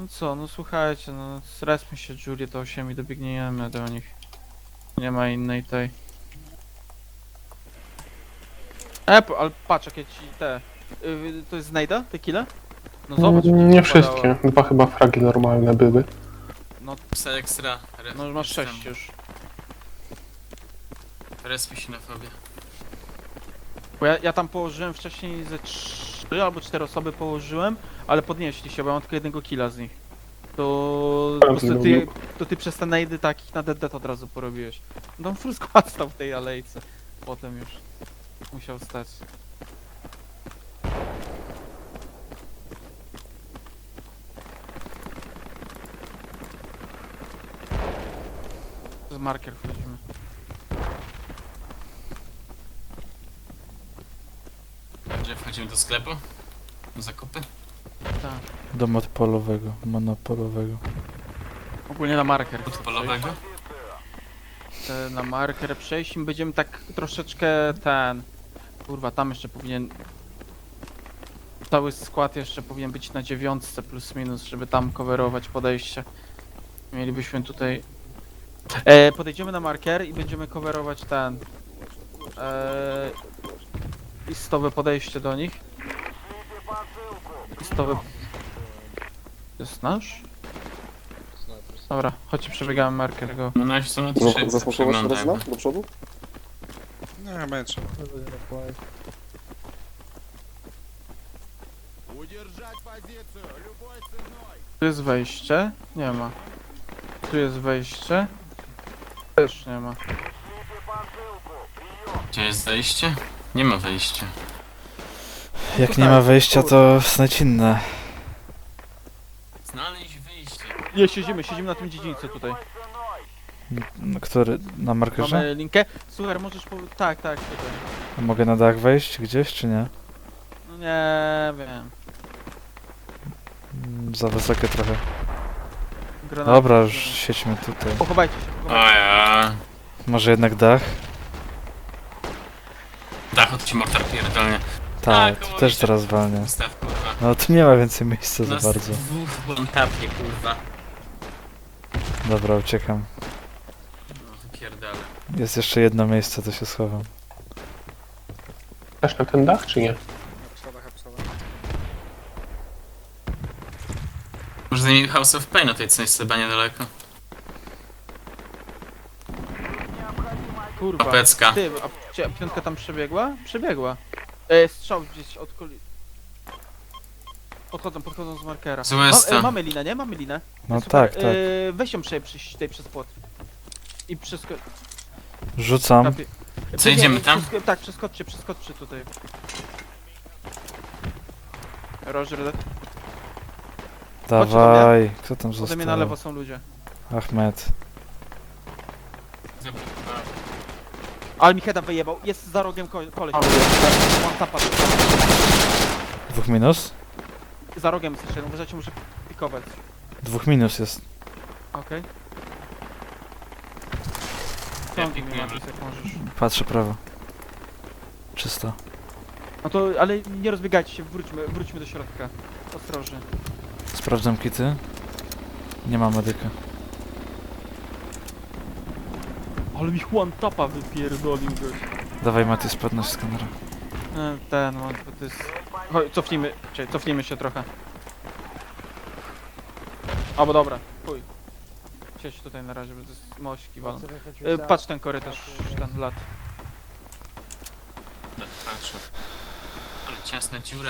No co, no słuchajcie, no zrespmy się Juliet 8 i dobiegniemy do nich. Nie ma innej tej. Ale patrz jakie ci te... to jest znajda? Te kille? No zobacz jak ci Nie popadało. wszystkie. Dwa chyba fragi normalne były. No, Psa ekstra. no masz 6 już. Respi się na fobie. Bo ja tam położyłem wcześniej ze 3 albo 4 osoby położyłem, ale podnieśli się, bo ja mam tylko jednego killa z nich. To po prostu ty przez te najdy takich na dead od razu porobiłeś. No full skład stał w tej alejce. Potem już musiał stać. Z marker wchodzimy. Gdzie wchodzimy do sklepu? Do zakupy? Tak. Do monopolowego. Ogólnie na marker. Od polowego? Na marker przejść i będziemy tak troszeczkę ten... Kurwa, tam jeszcze powinien... Cały skład jeszcze powinien być na 9 plus minus, żeby tam coverować podejście. Mielibyśmy tutaj... podejdziemy na marker i będziemy coverować ten... listowe podejście do nich. Listowe... To jest nasz? Dobra, chodźcie, przebiegamy marker go. No nasi są na 3. Zasmakować teraz na? Do przodu? Nie, będzie trzeba. Tu jest wejście? Nie ma. Tu jest wejście? Też nie ma. Gdzie jest zejście? Nie ma wejścia. Jak nie ma wejścia, to znajdź inne. Znaleźć wyjście. Nie, siedzimy na tym dziedzińcu tutaj. Który? Na markerze? Mamy linkę. Słuchaj, możesz tak, tutaj. Mogę na dach wejść gdzieś, czy nie? No nie wiem. Za wysokie trochę. Granaty. Dobra, już siedźmy tutaj. Pochowajcie się, O pochowajcie. ja. Może jednak dach? Dach od ci mortar pierdolnie. Tak, koło tu też mnie. teraz walnie. Ustaw kurwa. No tu nie ma więcej miejsca za Nas bardzo. dwóch włątapnie kurwa. Dobra, uciekam. No wypierdale. Jest jeszcze jedno miejsce, to się schowam. Też na ten dach, czy nie? Na schodach, na schodach. Może zajmij House of Pain, no to jest coś chyba niedaleko. Kurwa. Papecka. Ty, a piątka tam przebiegła? Przebiegła. Strzał gdzieś od koli... Podchodzą z markera. Złe jest to. Mamy linę, nie? Mamy linę. No Super. tak, tak. Weź ją przez płot. I przez... Rzucam. Co, idziemy tam? Tak, przeskoczcie tutaj. Roger, Dawaj. Kto tam ode mnie na lewo został? są ludzie. Ahmed. Ale mi heada wyjebał. Jest za rogiem koleś. One tapa. 2 minus? Za rogiem jest jeszcze jeden. Uważajcie, muszę pikować. 2 minus jest. Okej. Ja Ciągnij mnie, pikuję. Matis, jak możesz. Patrzę prawo. Czysto. No to, ale nie rozbiegajcie się, wróćmy do środka. Ostrożnie. Sprawdzam kity. Nie ma medyka. Ale mi one tapa wypierdolił goś. Dawaj Matis, podnoś skanera. Ten, no, to jest... Chodź, cofnijmy się trochę. Albo dobra, chuj. Siedź tutaj na razie, bo to jest mośki walą. Patrz ten korytarz, ten lat. Patrzę. Ale ciasna dziura.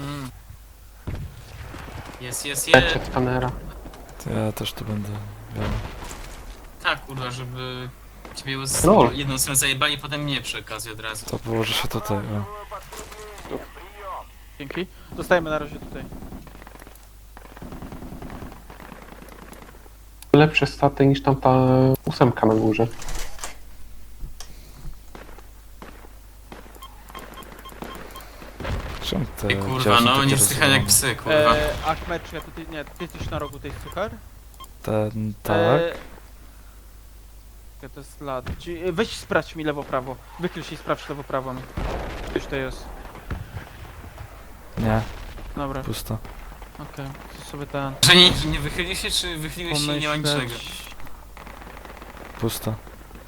Jest. Lecie skanera. To ja też tu będę. Miał. Tak kurwa, żeby ciebie No. jedną stronę zajebali, potem mnie przy okazji od razu. To położę się tutaj. O. Dzięki. Zostajemy na razie tutaj. Lepsze staty niż tam ta 8 na górze. Czemu te Ty kurwa, działy są no takie nie wstychaj jak rozwalone? psy, kurwa. Achmed, czy ja tutaj, nie, ty jesteś na rogu tej suchar? Tak. To jest lat. Weź sprawdź mi lewo-prawo. Wykryj się i sprawdź lewo-prawo mi. Już to jest. Nie, Dobra. pusto. Okej, to sobie ten... Że nie wychyli się, czy wychyliłeś się i nie ma niczego? pomyśleć. Pusto.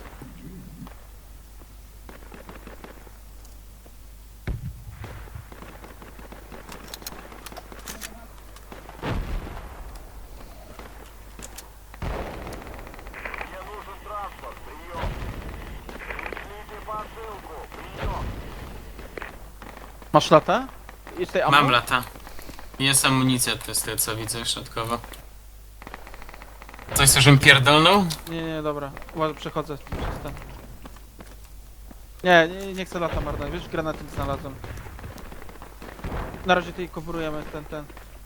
Masz latę? Jest tutaj ammo? Mam lata. Jest amunicja, to jest to, co widzę środkowo. Coś, co żebym pierdolnął? Nie, dobra. Uważaj, przechodzę przez ten. Nie chcę lata marnować. Wiesz, granaty znalazłem. Na razie tutaj coverujemy ten.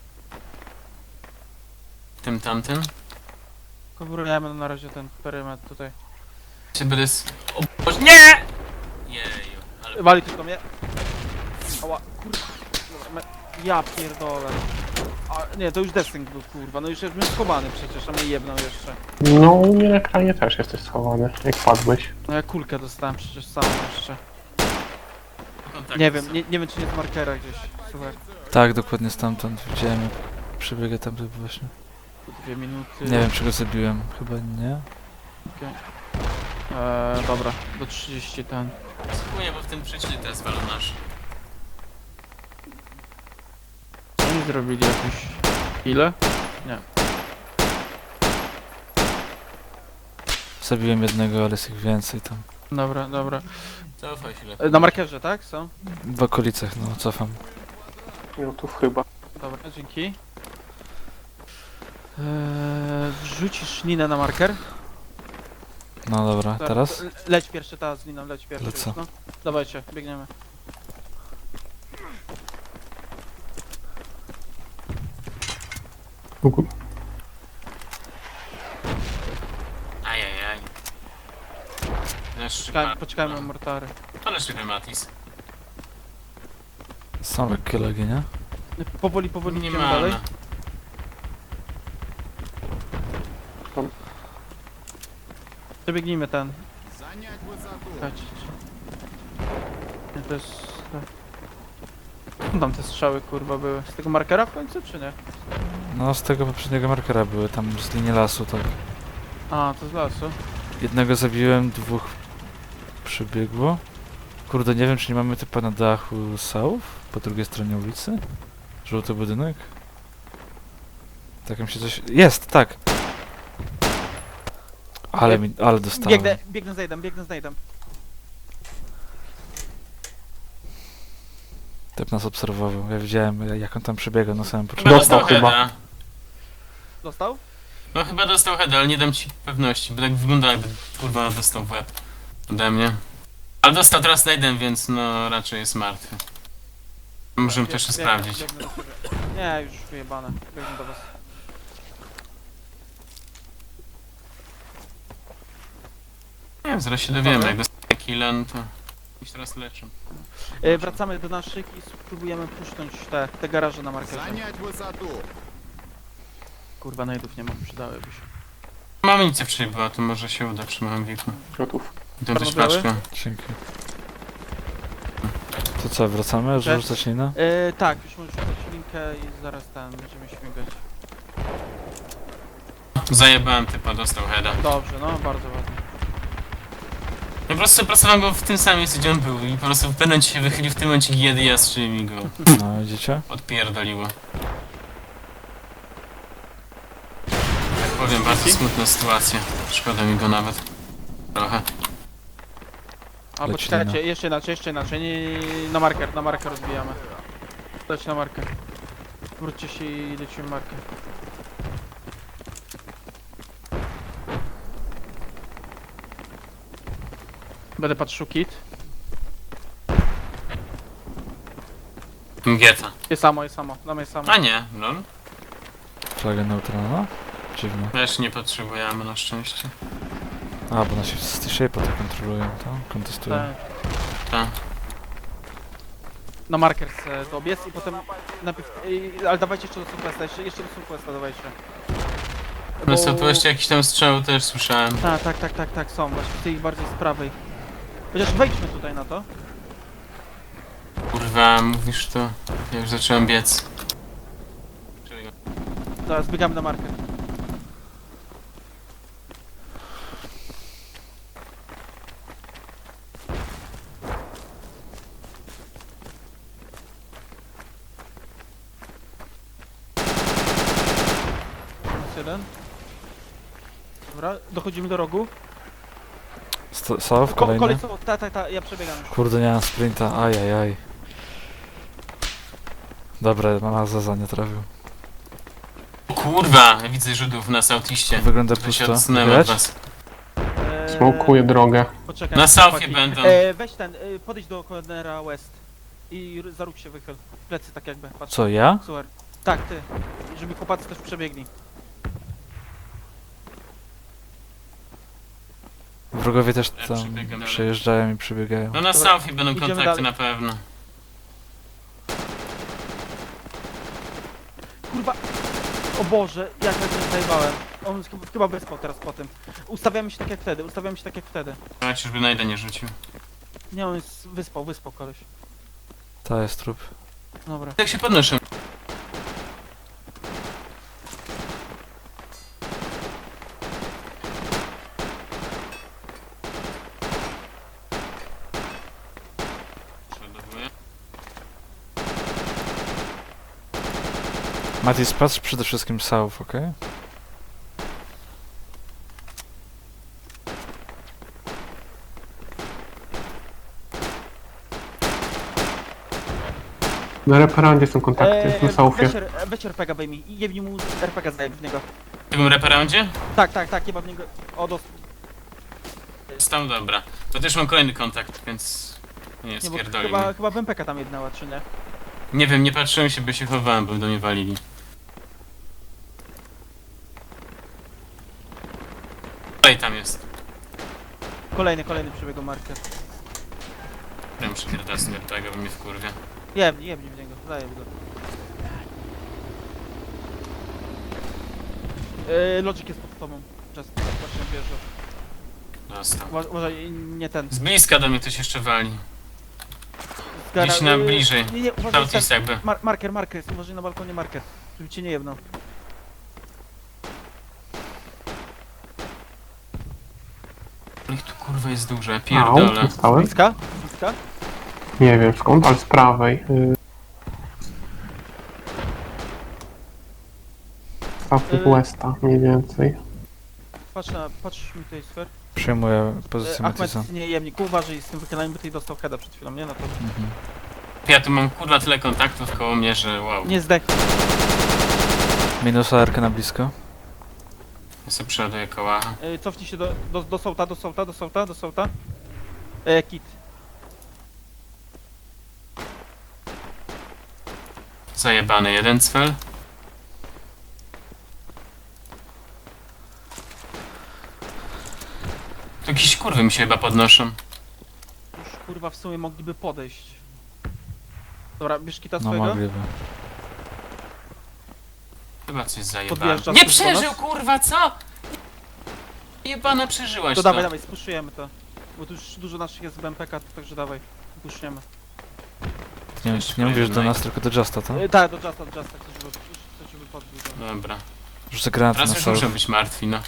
Tym tamtym? Coverujemy na razie ten perymetr tutaj. Czy będę O Boże, nie! Jeju, ale... Wali tylko mnie. Ała, kurwa. Dobra, ja pierdolę. A, nie, to już desynk był, kurwa. No już jestem schowany przecież, a mnie jebnął jeszcze. No, u mnie na ekranie też jesteś schowany, jak padłeś. No ja kulkę dostałem przecież sam jeszcze. Kontakt Nie jest. wiem, nie wiem czy nie z markera gdzieś. Słuchaj, Tak, dokładnie stamtąd widziałem, jak przebiegę tam właśnie. 2 minuty. Nie wiem, czy go zabiłem. Chyba nie. Dobra, do 30 ten. Spróbuję, bo w tym przeciwnie teraz walą nasz. Oni zrobili jakieś... Ile? Nie. Zabiłem jednego, ale jest ich więcej tam. Dobra. Cofaj się lepiej. Na markerze, tak? Są? W okolicach, no, cofam. Minutów chyba. Dobra, dzięki. Wrzucisz linę na marker? No dobra, Tak, teraz? to leć pierwszy, ta z liną, leć pierwszy. Lecę. No. Dawajcie, biegniemy. Ajajaj. Poczekajmy na mortary. To nasz Matis. Są lekkie lagi, nie? Powoli Nie idziemy ma. dalej. Przebiegnijmy ten. Czekajcie. Nie, to jest... Tam te strzały kurwa były. Z tego markera w końcu, czy nie? No, z tego poprzedniego markera były, tam z linii lasu, tak. A, to z lasu. Jednego zabiłem, dwóch przybiegło. Kurde, nie wiem, czy nie mamy typa na dachu South, po drugiej stronie ulicy? Żółty budynek? Tak mi się coś... Jest, tak! Ale dostałem. Biegnę z najdem. Typ nas obserwował, ja widziałem, jak on tam przebiegał na samym Chyba początku. dostał chyba. heada. Dostał? No chyba dostał heada, ale nie dam ci pewności, bo tak wygląda jakby kurwa dostał w łeb ode mnie. Ale dostał teraz Naden, więc no raczej jest martwy. Możemy to jeszcze sprawdzić. Biegnę do ciebie. Nie, już wyjebane. Biegnę do was. Nie wiem, zaraz się dowiemy, jak dostaje killa, no to... Już teraz leczę. Wracamy do naszych i spróbujemy puszcząć te garaże na markerze. Занять высоту! Kurwa, najdów nie mam, przydałyby się. Mam amunicję wcześniej była, to może się uda przy małym wieku. Gotów. I to też Czarno-biały? paczkę. Dzięki. To co, wracamy? Cześć. Rzucać linę? Tak, już możesz rzucać linkę i zaraz będziemy śmigać. Zajebałem typa, dostał heada. Dobrze, no, bardzo ładnie. Ja po prostu pracowałem go w tym samym miejscu, gdzie on był i po prostu w pewnym momencie się wychylił w tym momencie, kiedy ja strzeliłem i go No, widzicie? odpierdoliło. Tak powiem, bardzo smutna sytuacja. Szkoda mi go nawet. Trochę. Albo Leci czekajcie, lina. jeszcze inaczej. Nie, na marker rozbijamy. Leć na marker. Wróćcie się i lecimy marker. Będę patrzył kit. Mgieta. Jest samo, damy jest samo. A nie, lol. Flaga neutralna? Dziwne. Też nie potrzebujemy na szczęście. A, bo nasi z Shape'a to kontrolują, to? Kontestują. Tak. Tak. Na marker dobiec i potem najpierw... ale dawajcie jeszcze do Sunquesta, jeszcze do Sunquesta dawajcie. No co, tu jeszcze jakiś tam strzał też słyszałem. Tak, są, właśnie z tej bardziej z prawej. Chociaż wejdźmy tutaj na to. Kurwa, mówisz to. Ja już zacząłem biec. Czyli Zaraz zbiegamy na markę. Jest jeden. Dobra, dochodzimy do rogu. South, kolejny. Kolej są, ta, ja przebiegam już. Kurde, nie mam sprinta, ajajaj. Dobra, mama Zaza nie trafił. O kurwa, ja widzę Żydów na southeastie. Wygląda To się pusto. odsunęłem od Widać? was. Smokuję drogę. Poczekaj. Na southie chłopaki. będą. Weź ten, podejdź do Cornera West. I za róg się wychyl. Plecy tak jakby, patrz. Co, ja? Super. Tak, ty. Żeby chłopacy też przebiegli. Wrogowie też Ja tam przebiegam. przejeżdżają i przebiegają. No na Dobra, southie będą idziemy kontakty dalej. na pewno. Kurwa! O Boże, jak ja się zajebałem. On chyba wyspał teraz po tym. Ustawiamy się tak jak wtedy, Ja czyżby najdę nie rzucił. Nie, on jest wyspał koleś. Ta jest trup. Dobra. Jak się podnoszę? Przeładowuję. Matis, patrz przede wszystkim South, okej? Na reparandzie są kontakty, na Southie. Weź RPG wyjmij i jebnij mu RPG zajeb w niego. W tym reparandzie? Tak, jeba w niego. O, Jest tam, dobra. To też mam kolejny kontakt, więc... Nie, nie, bo spierdolił. chyba w MPK tam jednała, czy nie? Nie wiem, nie patrzyłem się, by się chowałem, bo do mnie walili. Tutaj tam jest. Kolejny przebiegł marker. Ja muszę pierdolać z tego, bo mnie wkurwia. Jebnij w niego, zajeb go. Logic jest pod tobą. Czas, właśnie bierze. Dostał. Uważaj, nie ten. Z bliska do mnie ktoś jeszcze wali. Zgara- Gdzieś na bliżej. Nie, uważaj, Southeast jakby. marker jest, uważaj na balkonie marker. Żeby cię nie jebnął. Ich tu kurwa jest dużo, ja Au, pierdolę. dostałem. Bliska? Nie wiem skąd, ale z prawej. South Westa mniej więcej. Patrz mi tutaj sfer. Przyjmuję pozycję Matisa. Ahmed, nie jemnik, uważaj z tym wychylaniem, bo ty dostał heada przed chwilą, nie? No to Mhm. Ja tu mam kurwa tyle kontaktów koło mnie, że wow. nie zdech. Minus ARK na blisko. Ja sobie przeładuję kołacha. Cofnij się do sołta. Kit. Zajebany jeden cfel. Tu jakieś kurwy mi się chyba podnoszą. Już kurwa w sumie mogliby podejść. Dobra, bierz kita No swojego. mogliby. Chyba coś zajebałem. Podjeżdża Nie tu do przeżył nas? kurwa, co? Jebana przeżyłaś To to. dawaj, spuszujemy to. Bo tu już dużo naszych jest z BMPK, także dawaj. Puszniemy. Nie mówisz do nas, tylko do Justa, to? Tak, do Justa, chcę żeby podbił to. Dobra. Rzucę granat na Teraz już South. muszę być martwi, no.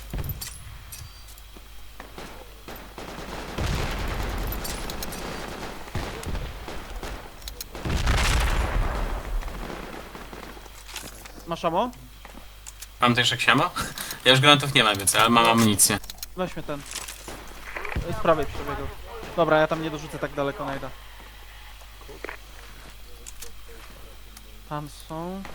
Masz ammo? Mam też jak siamo? Ja już granatów nie mam więcej, ale mam amunicję. Weźmy ten. Z prawej przebiegł. Dobra, ja tam nie dorzucę tak daleko, najda. Tam są.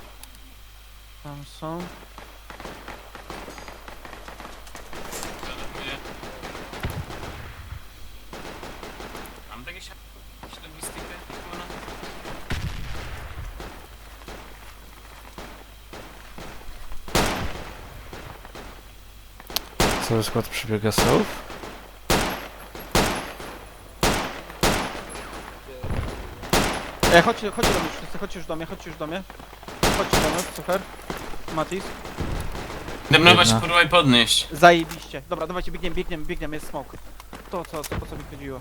Mam takie środowistykę? Cały skład przebiega South. Chodźcie do mnie wszyscy, chodźcie już do mnie. Chodźcie do nas, super. Matis. Demnować Jedna. kurwa i podnieść. Zajebiście. Dobra, dawajcie, biegniemy, jest smoke. To co mi chodziło.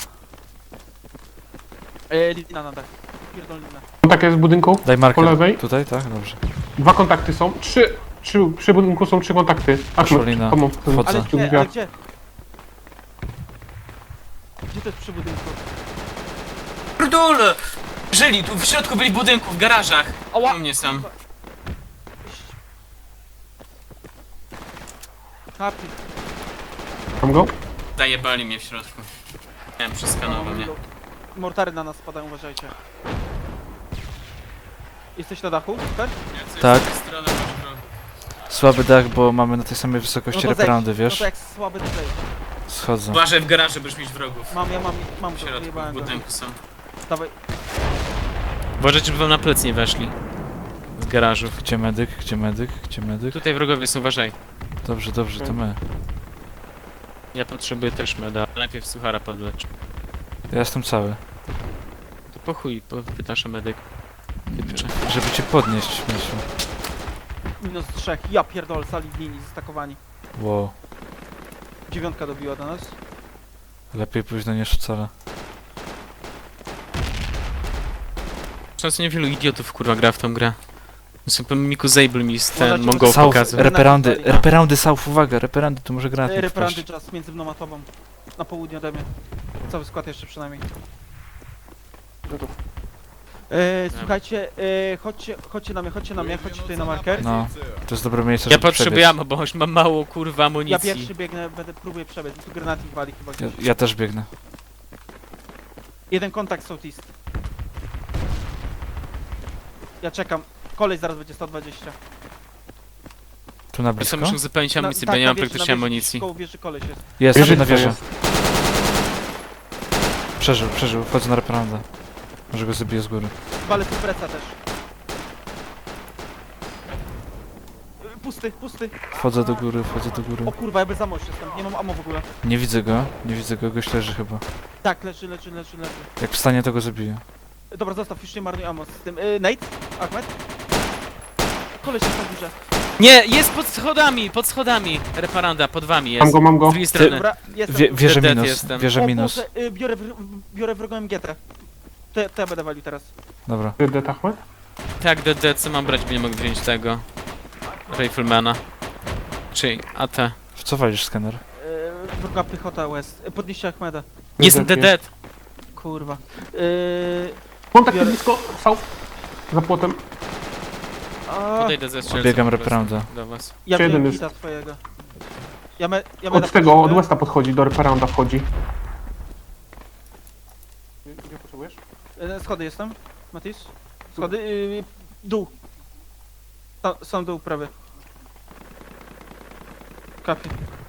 Lina na dach. Pierdol lina. Kontakt jest w budynku, Daj po marker. lewej. Tutaj, tak? Dobrze. 2 kontakty są. 3. Przy budynku są 3 kontakty. Szolina. Wchodzę. Ale przy gdzie, drzwiach. ale gdzie? Gdzie to jest przy budynku? Pierdolę! Żyli, tu w środku byli budynków, w garażach. Ała! U mnie sam. Kapi. Mam go? Zajebali mnie w środku. Nie wiem, przeskanował mnie. Mortary na nas spadają, uważajcie. Jesteś na dachu? Tak? Tak. Z tej strony masz drogę. Słaby dach, bo mamy na tej samej wysokości zejdź. reperandy, No wiesz? to jak słaby to zejdź. Schodzę. Uważaj w garażu, będziesz mieć wrogów. Mam W to, środku wyjebałem go. budynku są. Dawaj. Uważajcie, żeby wam na plec nie weszli. W garażu. Gdzie medyk? Gdzie medyk? Gdzie medyk? Tutaj wrogowie są, uważaj. Dobrze, dobrze, to my. Ja potrzebuję też meda. Najpierw suchara podlecz. Ja jestem cały. To po chuj, pytasz o medyk. Żeby cię podnieść, śmieciu. -3. Ja pierdolę, sali w linii, zestakowani. Wow. 9 dobiła do nas. Lepiej późno niż wcale. Często niewielu idiotów kurwa gra w tą grę. Super Miku Zable mi ten Możecie- Mongol South, pokazał. reperandy, Dobra. reperandy South, uwaga, reperandy, tu może granat nie Reperandy wpaść. czas między mną a tobą. Na południe ode mnie. Cały skład jeszcze przynajmniej. Słuchajcie, chodźcie na mnie, chodźcie tutaj na marker. No, to jest dobre miejsce, Ja żeby potrzebuję przebiec. ammo, bo już mam mało kurwa Ja amunicji. pierwszy biegnę, próbuję przebiec. Tu granaty wali chyba Ja, gdzieś. ja też biegnę. Jeden kontakt southeast. Ja czekam. Koleś zaraz będzie 120. Tu na Ja blisko? sobie muszę uzupełnić amunicję, tak, bo nie mam wieży, praktycznie wieży, amunicji. Koło wieży koleś jest. Jest, Wieży na to wieży. jest. Przeżył, wchodzę na reperandę. Może go zabiję z góry. Walę tu preca też. Pusty. Wchodzę do góry, wchodzę do góry. O kurwa, ja bez ammo jestem. Nie mam ammo w ogóle. Nie widzę go, gość leży chyba. Tak, leży. Jak wstanie, to go zabiję. Dobra, zostaw, już nie marnuj ammo z tym. Nate? Ahmed? Koleś jest na górze. Nie, jest pod schodami! Reparanda, pod wami jest. Mam go. Z drugiej strony. Dobra, jestem. Wieżę Dead minus, jestem. wieżę O minus. Boże, biorę wrogą MGT. To ja będę walił teraz. Dobra. Dead Ahmed? Tak, DD, co mam brać, bo nie mogę wziąć tego. Riflemana. Czyli AT. W co walisz, skener? Wroga piechota West. Podnieście Ahmeda. Jestem DD! Kurwa. Kontakt Biorę- blisko, South. Za płotem. Podejdę ze strzelcem. Obiegam po prostu reperandę. Do was. Ja Czy jeden wiem jest? kita twojego. Ja będę Od tego, od Westa podchodzi, do reperanda wchodzi. Gdzie potrzebujesz? Schody jestem. Matis? Schody. Dół. Sam dół prawy. Kapi.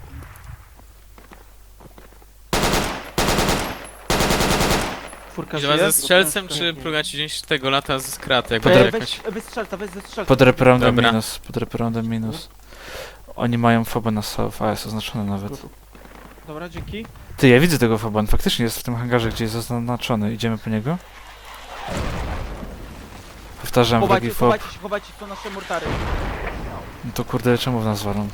Czwórka I do żyje. was ze strzelcem, czy próbować gdzieś tego lata z kraty, jakby Podaj- jakaś... Weź strzelca, weź ze strzelca. Pod reperandem Dobra. minus, pod reperandem minus. Oni mają foba na South, a jest oznaczony nawet. Dobra, dzięki. Ty, ja widzę tego foba, on faktycznie jest w tym hangarze, gdzie jest zaznaczony. Idziemy po niego? Powtarzam, wrogi fob. Chowajcie, to nasze mortary. No to kurde, czemu w nas walą?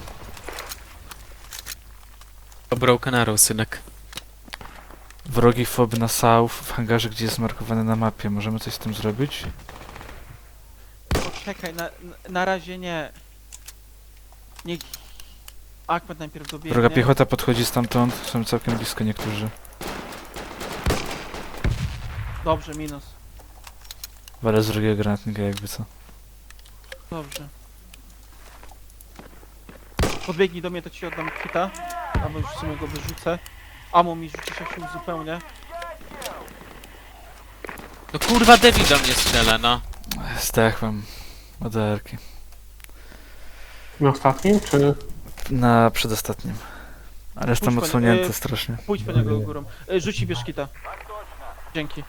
Broken Arrow, synek. Wrogi fob na South, w hangarze, gdzie jest markowany na mapie. Możemy coś z tym zrobić? Poczekaj, na razie nie. Niech Ahmed najpierw dobiegnie. Wroga piechota podchodzi stamtąd, są całkiem blisko niektórzy. Dobrze, minus. Walę z drugiego granatnika jakby co. Dobrze. Podbiegnij do mnie, to ci oddam kita. Albo już w sumie go wyrzucę. Amo mi rzucisz, jak się uzupełnię. No kurwa, Devi do mnie strzela, no. Zdechłem. ODR-ki. Na ostatnim, czy... Na przedostatnim. Ale jestem Puść po nie- odsłonięty strasznie. Pójdź po niego górą. Rzuci bierz kita. Dzięki.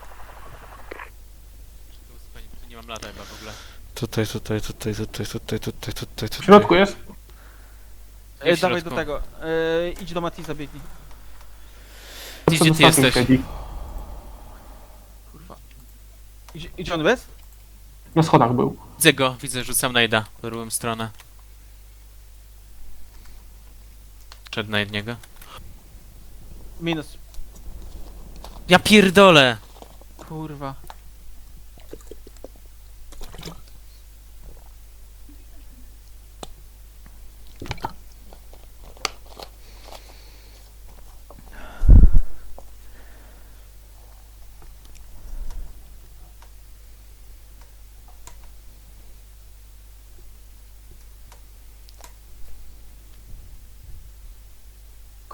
Tu nie mam lata chyba w ogóle. Tutaj. W środku jest? Ej, w Dawaj środku. do tego. Idź do Matiza, biegnij. Gdzie ty Ostatni jesteś? siedzi. Kurwa. Idzie on bez? Na schodach był. Widzę go, widzę, rzucam najda w drugą stronę. Przed na jednego. Minus. Ja pierdolę! Kurwa.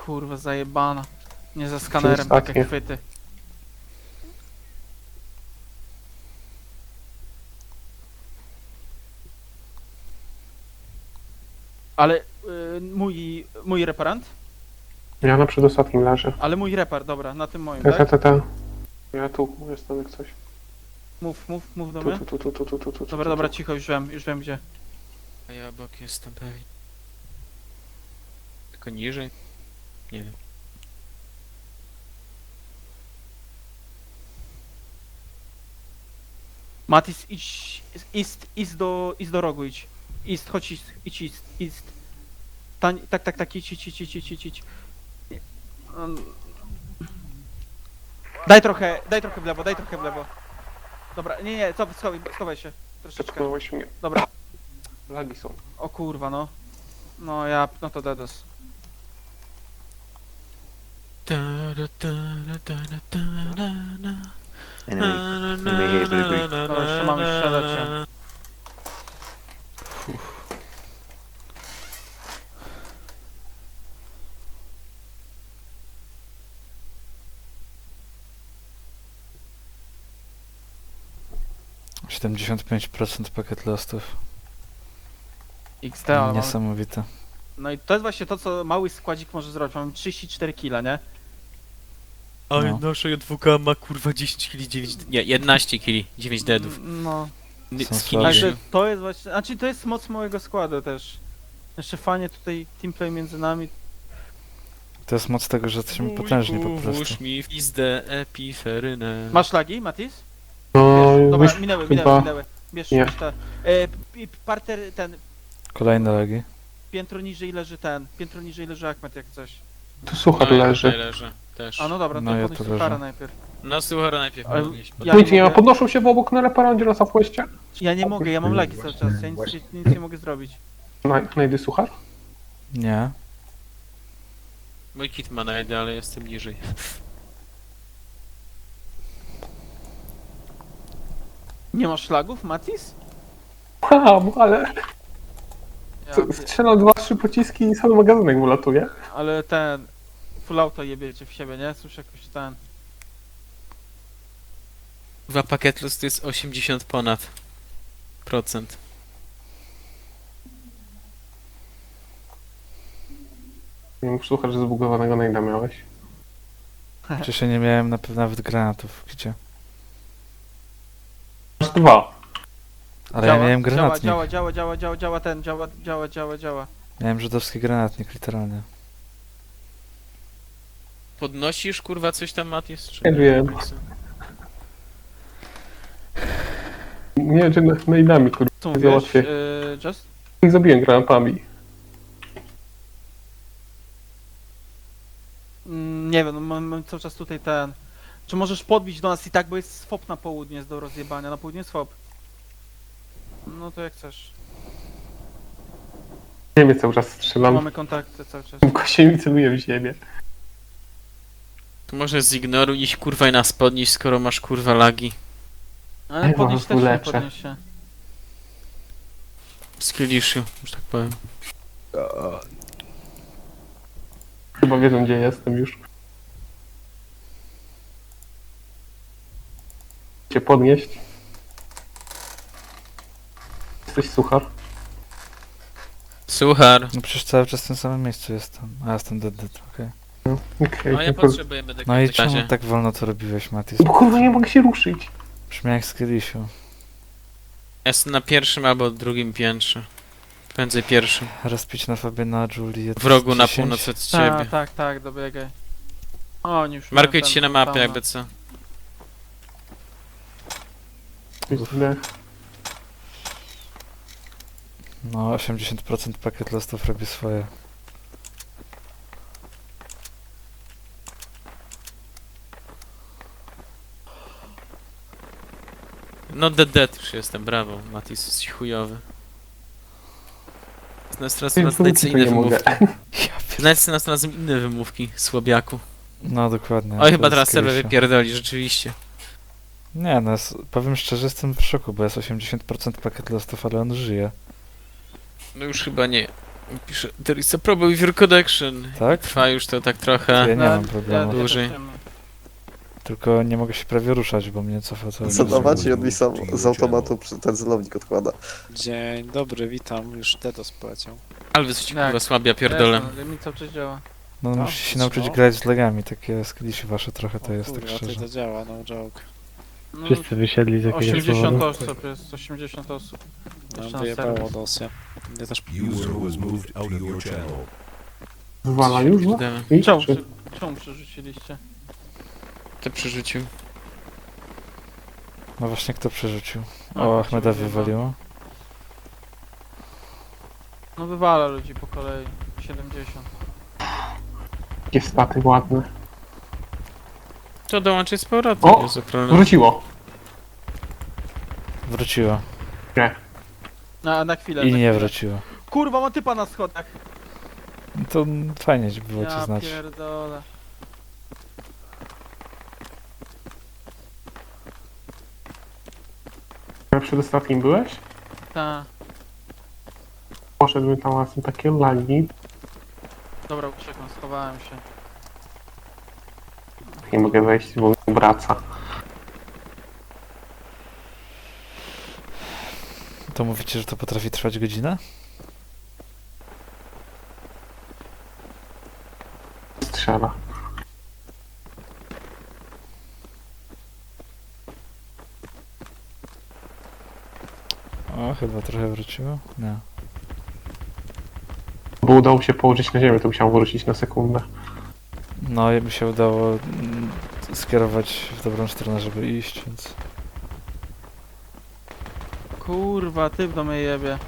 kurwa, zajebana. Nie ze skanerem, ostatnie. takie chwyty. Ale mój reparant? Ja na przedostatnim leżę. Ale mój repar, dobra, na tym moim, Ta. tak? Ja tu jestem jak coś. Mów do Tu, mnie. tu. Dobra, cicho, już wiem gdzie. A ja obok jestem pewnie. Tylko niżej? Nie wiem. Matis, idź do rogu, idź. Chodź, idź. Tak, idź. Daj trochę w lewo, Dobra, nie, schowaj się. Troszeczkę. Przekonałeś mnie. Dobra, Lagi są. o kurwa, no. No to dedos. Dobra, jeszcze mamy strzelać. Ja. 75% pakiet lostów. XT, ale mamy... Niesamowite. No i to jest właśnie to, co mały składzik może zrobić. Mamy 34 kg, nie? Ale No. nasza J2K ma kurwa 10 kg, 9... Nie, 11 kg, 9 deadów. No. Są Skinny. słabi. Także to jest właśnie... Znaczy to jest moc małego składu też. Jeszcze fajnie tutaj teamplay między nami. To jest moc tego, że jesteśmy potężni po prostu. Włóż mi w pizdę epiferynę. Masz lagi, Matis? No, Dobra, już minęły. Bierz Nie. te. Parter, Kolejne lagi. piętro niżej leży Achmed jak coś. tu suchar leży. Leży też. A no dobra, No to ja podnieś tu suchara leżę. najpierw. No słuchaj, najpierw Ale podnieść. ja Nic nie ma, mogę- podnoszą się w obok na reparandzie na Southwestie. Ja nie mogę, ja mam lagi cały czas, ja nic nie mogę zrobić. Najdy suchar? Nie. Mój kit ma najdę, ale jestem niżej. Nie masz lagów, Matis? Mam, ale Ja, strzelam 2-3 pociski i cały magazynek mu latuje. ale ten... Full auto jebiecie w siebie, nie? Słyszę jakoś ten... Dwa pakiet luz to jest 80 ponad procent. Nie mów słuchać, że zbugowanego najda miałeś. Przecież ja nie miałem na pewno nawet granatów. Gdzie? Masz 2. Ale ja miałem granatnik. Działa. Miałem żydowski granatnik, literalnie. Podnosisz kurwa coś tam, Matis? Czy Nie wiem. Nie wiem, czy najdami, kurwa. Co mówisz, Załatwię. Just? Ich zabiłem granatami. Nie wiem, no mam cały czas tutaj ten... Czy możesz podbić do nas i tak, bo jest swop na południe, jest do rozjebania. Na południe jest swop. No to jak chcesz. Nie wiem, cały czas strzelam. Mamy kontakty cały czas. Kosie mi celuje w ziemię. To może zignoruj ich kurwa i nas podnieść, skoro masz kurwa lagi. Ale Ej, podnieś bo też nie uleczę. podnieś się. Skilliszu, że tak powiem. Chyba wiedzą, gdzie jestem już. Cię podnieść. Jesteś suchar. Suchar. No przecież cały czas w tym samym miejscu jestem. A jestem dead, okej. Okej. No ja potrzebujemy takiego No i w takim czemu razie. tak wolno to robiłeś, Matis? Bo kurwa nie mogę się ruszyć. Brzmi jak z Killisiu. Jestem na pierwszym albo drugim piętrze. Prędzej pierwszym. Rozpić na Fabiana, Juliet. W rogu na 10. północ od ciebie. Tak, dobiegaj. O, oni już Markuj mają ci ten się na mapie tam, jakby co. Źle. No, 80% pakiet lostów robi swoje. No dead już jestem, brawo. Matis jest chujowy. Znajdź Tylko inne nie mogę. wymówki. Znajdź następnym inne wymówki, słabiaku. No, dokładnie. Oj, to chyba jest teraz serwer Killisiu. wypierdoli, rzeczywiście. Nie, no, powiem szczerze, jestem w szoku, bo jest 80% pakiet lostów, ale on żyje. No już chyba nie. Pisze, there is a problem with your connection. Tak? Trwa już to tak Ja trochę. nie No, mam problemu. też Dłużej. nie mam. Tylko nie mogę się prawie ruszać, bo mnie cofa cały czas. Zadawać i on mi sam z automatu ten celownik odkłada. Dzień dobry, witam. Już Dedos poleciał. Alwys ci Tak. kurwa słabia pierdolę. Jasne, mi cały czas działa. No No, musicie się nauczyć no. grać z lagami, takie skillsy wasze trochę to O jest, tak kurwa, szczerze. to działa, no joke. No, Wszyscy wysiedli z jakiegoś 80 powodu. osób jest, 80 osób. No, Jeszcze na wyjebało serwis. dosję. Ja też User was moved out of your channel. Zwala już? no? Kurde, I Czemu, czy- czemu przerzuciliście? to przerzucił. No właśnie kto przerzucił? No, O, Ahmeda przerzucił, wywaliło. No wywala ludzi po kolei. 70. Jakie staty ładne. To dołączy z powrotem, O! nie za problem. Wróciło. Wróciło. Na chwilę. I na nie chwilę. wróciło. Kurwa, ma typa na schodach. No to fajnie ci było cię Ja znać. pierdolę. Przed ostatnim byłeś? Ta. Poszedłbym tam, a są takie lagi. Dobra, uciekam, schowałem się. Nie mogę wejść, bo wraca. To mówicie, że to potrafi trwać godzinę? Strzela. O, chyba trochę wróciło. Nie. Bo udało się położyć na ziemię, to musiałem wrócić na sekundę. No, jakby się udało skierować w dobrą stronę, żeby iść, więc... Kurwa, typ do mnie jebie.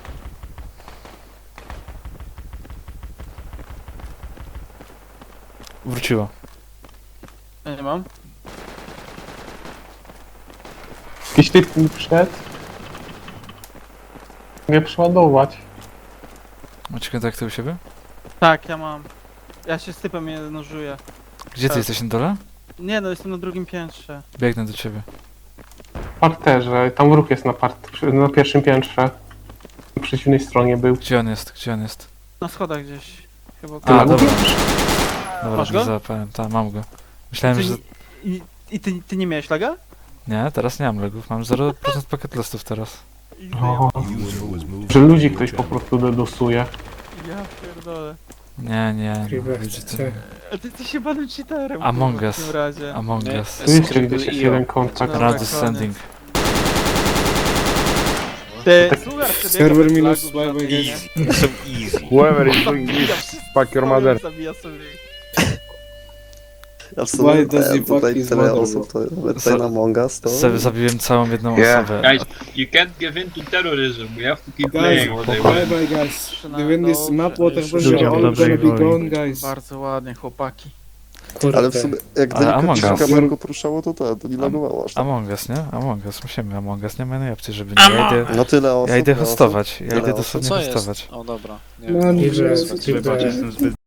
Wróciło. Ja nie mam. Jakiś typ mi wszedł. Mogę przeładować. Macie kontakty u siebie? Tak, ja mam. Ja się z typem je nożuję. Gdzie ty Tak. jesteś na dole? Nie no, jestem na drugim piętrze. Biegnę do ciebie. W parterze, tam ruch jest na pierwszym piętrze. Po przeciwnej stronie był. Gdzie on jest? Gdzie on jest? Na schodach gdzieś. Chyba A, Tyle dobra. mówisz? Dobra, Masz nie go? załapałem. Tak, mam go. Myślałem, Ty, że... I ty nie miałeś laga? Nie, teraz nie mam legów. Mam 0% pakiet listów teraz. O, User was moved że out of ludzi your ktoś po channel. prostu dedosuje. Ja pierdolę. Nie, nie. No, wiecie, to... A ty jesteś jebanym cheaterem. Among kurwa, Us. W tym razie. Among Nie. Us. Tu jeszcze gdzieś jest jeden kontakt. Dobra, Run koniec. descending. Ty, słuchaj, Server minus 5, I guess. So easy. Whoever is doing this, fuck your mother. Zabija sobie. Ja w sumie Why does he fuck tutaj his tyle mother, osób, to nawet tutaj na Among Us, to... Zabiłem całą jedną Yeah. osobę. Guys, you can't give in to terrorism. We have to keep Guys, playing what they bye want. bye guys. We win this map, water pressure Ludziom all dobrej gonna be woli. gone, guys. Bardzo ładnie, chłopaki. Ale w sumie, jak Ale delikatnie Among się Us. kamerką poruszało, to nie lagowało aż tak. Among Us, nie? Among Us, musimy Among Us, nie ma innej opcji, żeby nie. Ja idę, No tyle osób. ja idę tyle osób. hostować, ja Tyle idę osób. dosłownie Co jest? hostować. O dobra. Nie No wiem. nie, Jest skip chyba that. Jestem zbyt